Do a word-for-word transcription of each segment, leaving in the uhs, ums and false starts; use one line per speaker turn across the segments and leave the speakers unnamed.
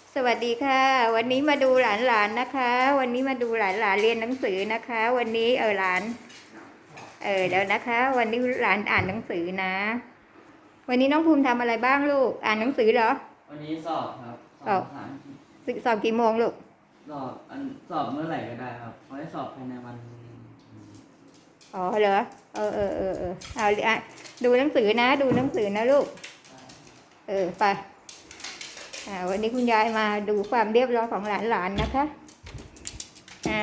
สวัสดีค่ะ วันนี้มาดูหลานๆนะคะ วันนี้มาดูหลานๆเรียนหนังสือนะคะ วันนี้เออหลานเออเดี๋ยวนะคะ วันนี้หลานอ่านหนังสือนะ วันนี้น้องภูมิทำอะไรบ้างลูกอ่านหนังสือเหรอ
วันนี้สอบครับส
สอบ
อบภาษาอังกฤษ
สอบกี่โมงลูก
สอบอันสอบเมื่อไหร่ก็ได้ครับเขาให้สอบภายในวัน
อ๋อเหรอเออเออเออเออเอาอ่ะดูหนังสือนะ ดูหนังสือนะลูกเออไปอ่าวันนี้คุณยายมาดูความเรียบร้อยของหลานๆนะคะอ่า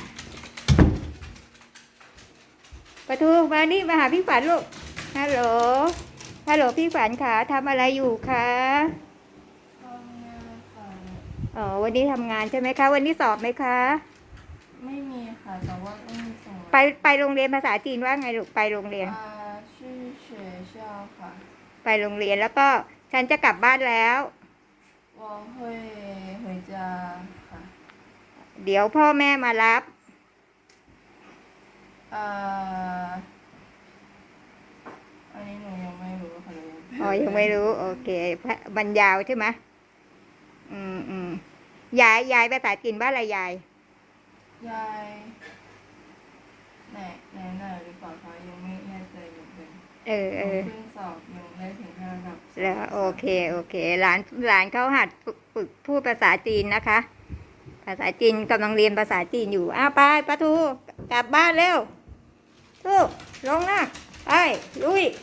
ประตูมานี่มาหาพี่ฝันลูกฮัลโหลฮัลโหลพี่ฝันค่ะทำอะไรอยู่คะ
ทำงานค่ะ
อ๋อวันนี้ทำงานใช่ไหมคะวันนี้สอบไหมคะ
ไม่มีค่ะแต่ว่าต้องมีสอบ
ไปไปโรงเรียนภาษาจีนว่าไงลูกไปโรงเรียน
อ่าชื่อเฉยเช่าค่ะ
ไปโรงเรียนแล้วก็ฉันจะกลับบ้านแล้ว
我会回家ค่ะ
เดี๋ยวพ่อแม่มารับ
อ่าอันนี้หนูยังไม่รู้ค่ะเลย
อ๋อยังไม่รู้โอเคบรรยาวใช่ไหมอืมอืมยายยายภาษาจีนว่าอะไรยาย
ยายไหนไหนไหนหรือเปล่าคะยังไม่แน่ใจเหมือนกัน
เออเออ
เพิ่งสอบยังได้ถึงระดับ
แล้วโอเคโอเคหลานหลานเขาหัดฝึกฝึกพูดภาษาจีนนะคะภาษาจีนกำลังเรียนภาษาจีนอยู่อ้าวไปปะทูกลับบ้านเร็วทูลงนะไปลุย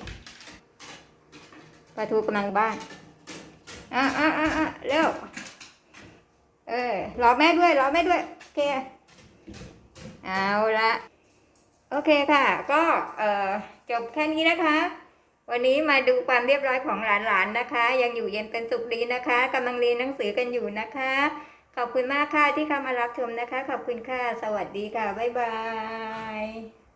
ปะทูกำลังบ้านอ่ะอ่ะอ่ะอ่ะเร็วเออรอแม่ด้วยรอแม่ด้วยโอเคเอาละโอเคค่ะก็เอ่อจบแค่นี้นะคะวันนี้มาดูความเรียบร้อยของหลานๆนะคะยังอยู่เย็นเป็นสุขดีนะคะกำลังเรียนหนังสือกันอยู่นะคะขอบคุณมากค่ะที่เข้ามารับชมนะคะขอบคุณค่ะสวัสดีค่ะบ๊ายบาย